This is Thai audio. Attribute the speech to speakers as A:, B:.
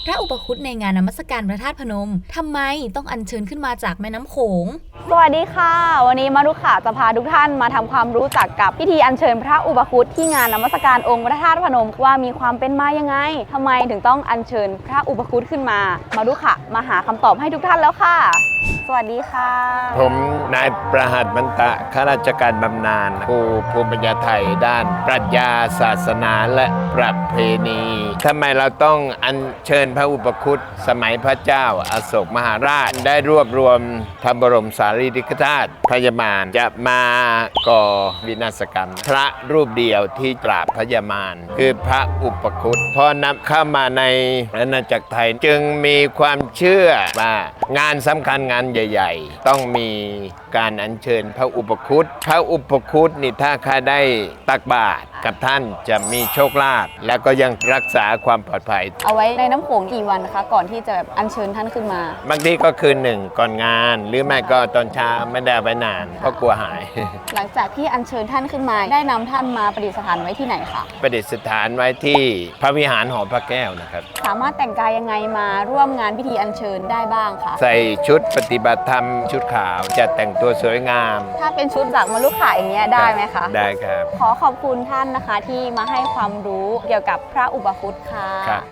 A: พระอุปคุตในงานนมัสการพระธาตุพนมทำไมต้องอัญเชิญขึ้นมาจากแม่น้ำโขง
B: สวัสดีค่ะวันนี้มารุขาจะพาทุกท่านมาทำความรู้จักกับพิธีอัญเชิญพระอุปคุตที่งานนมัสการองค์พระธาตุพนมว่ามีความเป็นมายังไงทำไมถึงต้องอัญเชิญพระอุปคุตขึ้นมารุขามาหาคำตอบให้ทุกท่านแล้วค่ะสวัสดีค่ะ
C: ผมนายประหัตมันตะข้าราชการบำนาญครูภูมิปัญญาไทยด้านปรัชญาศาสนาและประเพณีทำไมเราต้องอัญเชิญพระอุปคุตสมัยพระเจ้าอโศกมหาราชได้รวบรวมพระบรมสารีริกธาตุพยามารจะมาก่อวินาศกรรมพระรูปเดียวที่ปราบพยามารคือพระอุปคุตพอนำเข้ามาในอาณาจักรไทยจึงมีความเชื่อว่างานสำคัญงานใหญ่ๆต้องมีการอัญเชิญพระอุปคุตพระอุปคุตนี่ถ้าใครได้ตักบาตรกับท่านจะมีโชคลาภและก็ยังรักษาความปลอดภัย
B: เอาไว้ในน้ำโขงกี่วันคะก่อนที่จะอัญเชิญท่านขึ้นมา
C: บางทีก็คืนหนึ่งก่อนงานหรือไม่ก็ตอนเช้าไม่ได้ไปนานเพราะกลัวหาย
B: หลังจากที่อัญเชิญท่านขึ้นมาได้นำท่านมาประดิษฐานไว้ที่ไหนคะ
C: ประดิษฐานไว้ที่พระวิหารหอพระแก้วนะครับ
B: สามารถแต่งกายยังไงมาร่วมงานพิธีอัญเชิญได้บ้างคะ
C: ใส่ชุดปฏิบัติธรรมชุดขาวจะแต่งตัวสวยงาม
B: ถ้าเป็นชุดจากมารุขาอย่างเงี้ยได้ไหมคะ
C: ได้ครับ
B: ขอขอบคุณท่านนะคะที่มาให้ความรู้เกี่ยวกับพระอุปคุตค่ะ